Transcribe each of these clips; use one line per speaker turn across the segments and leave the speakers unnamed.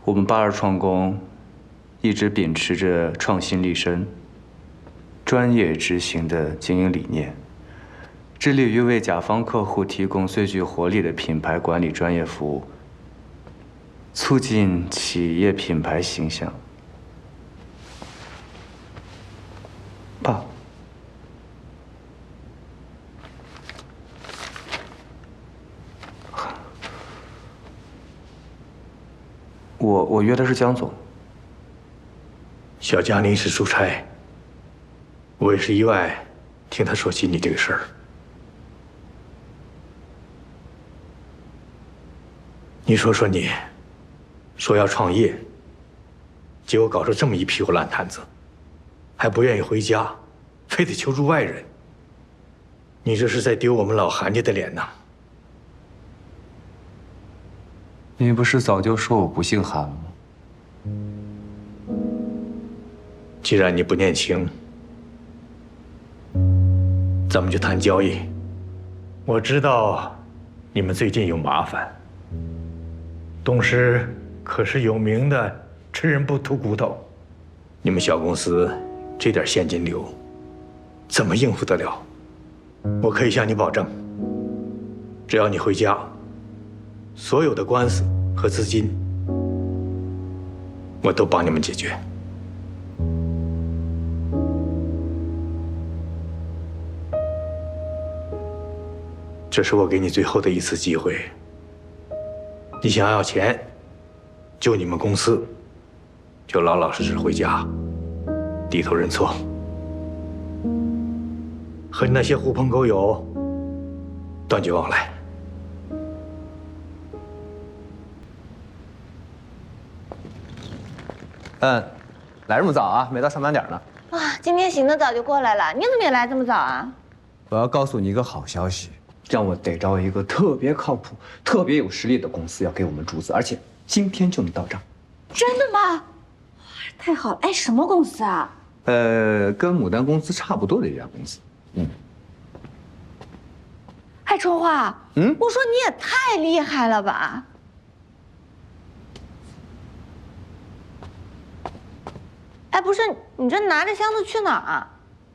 我们82创工一直秉持着创新立身、专业执行的经营理念，致力于为甲方客户提供最具活力的品牌管理专业服务，促进企业品牌形象。爸，我约的是江总。
小江临时出差，我也是意外听他说起你这个事儿。你说说你，说要创业，结果搞出这么一屁股烂摊子，还不愿意回家，非得求助外人。你这是在丢我们老韩家的脸呐！
你不是早就说我不姓韩吗？
既然你不念情，咱们就谈交易。我知道你们最近有麻烦，董事可是有名的吃人不吐骨头，你们小公司这点现金流，怎么应付得了？我可以向你保证，只要你回家，所有的官司和资金，我都帮你们解决。这是我给你最后的一次机会。你想要钱，救你们公司，就老老实实回家，低头认错，和那些狐朋狗友断绝往来。
来这么早啊？没到上班点呢。
哇，今天醒得早就过来了，你怎么也来这么早啊？
我要告诉你一个好消息，让我逮着一个特别靠谱、特别有实力的公司要给我们注资，而且今天就能到账。
真的吗？太好了！哎，什么公司啊？
跟牡丹公司差不多的一家公司。
哎，春花，我说你也太厉害了吧！哎，不是，你这拿着箱子去哪儿啊？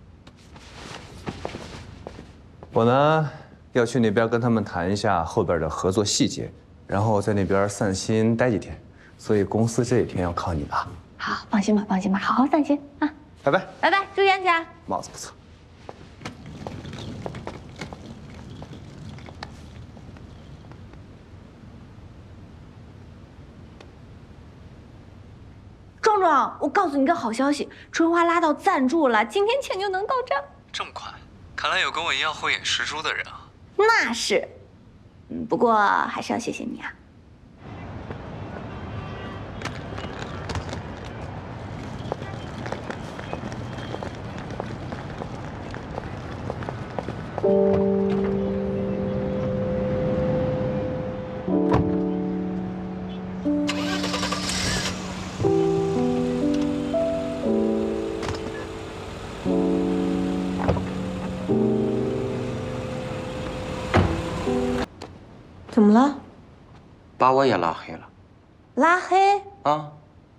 我呢要去那边跟他们谈一下后边的合作细节，然后在那边散心待几天，所以公司这几天要靠你了。
好，放心吧，放心吧，好好散心啊！
拜拜，
拜拜，注意安全。
帽子不错。
壮壮，我告诉你个好消息，春花拉到赞助了，今天钱就能到账。
这么快？看来有跟我一样慧眼识珠的人啊。
那是，不过还是要谢谢你啊。怎么了？
把我也拉黑了。
拉黑？
啊？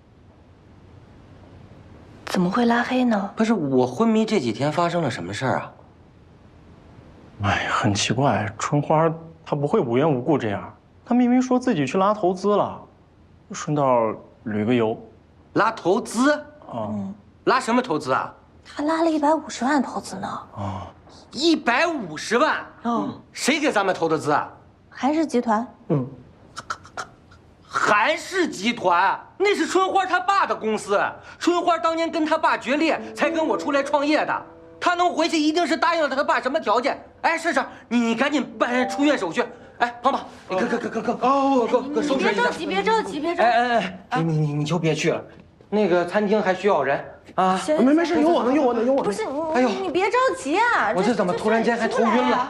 怎么会拉黑呢？
不是我昏迷这几天发生了什么事儿啊？
哎，很奇怪，春花她不会无缘无故这样。她明明说自己去拉投资了，顺道旅个游。
拉投资？拉什么投资啊？
他拉了150万投资呢。
150万？谁给咱们投的资啊？
韩氏集团。
韩氏集团那是春花她爸的公司，春花当年跟她爸决裂，才跟我出来创业的。她能回去，一定是答应了她爸什么条件。哎，是，你赶紧办出院手续。哎，胖胖，你快收拾一下。
别着急。
哎，你就别去了，那个餐厅还需要人啊。
没事，有我呢。
不是，
哎呦，
你别着急啊。
我这怎么突然间还头晕了？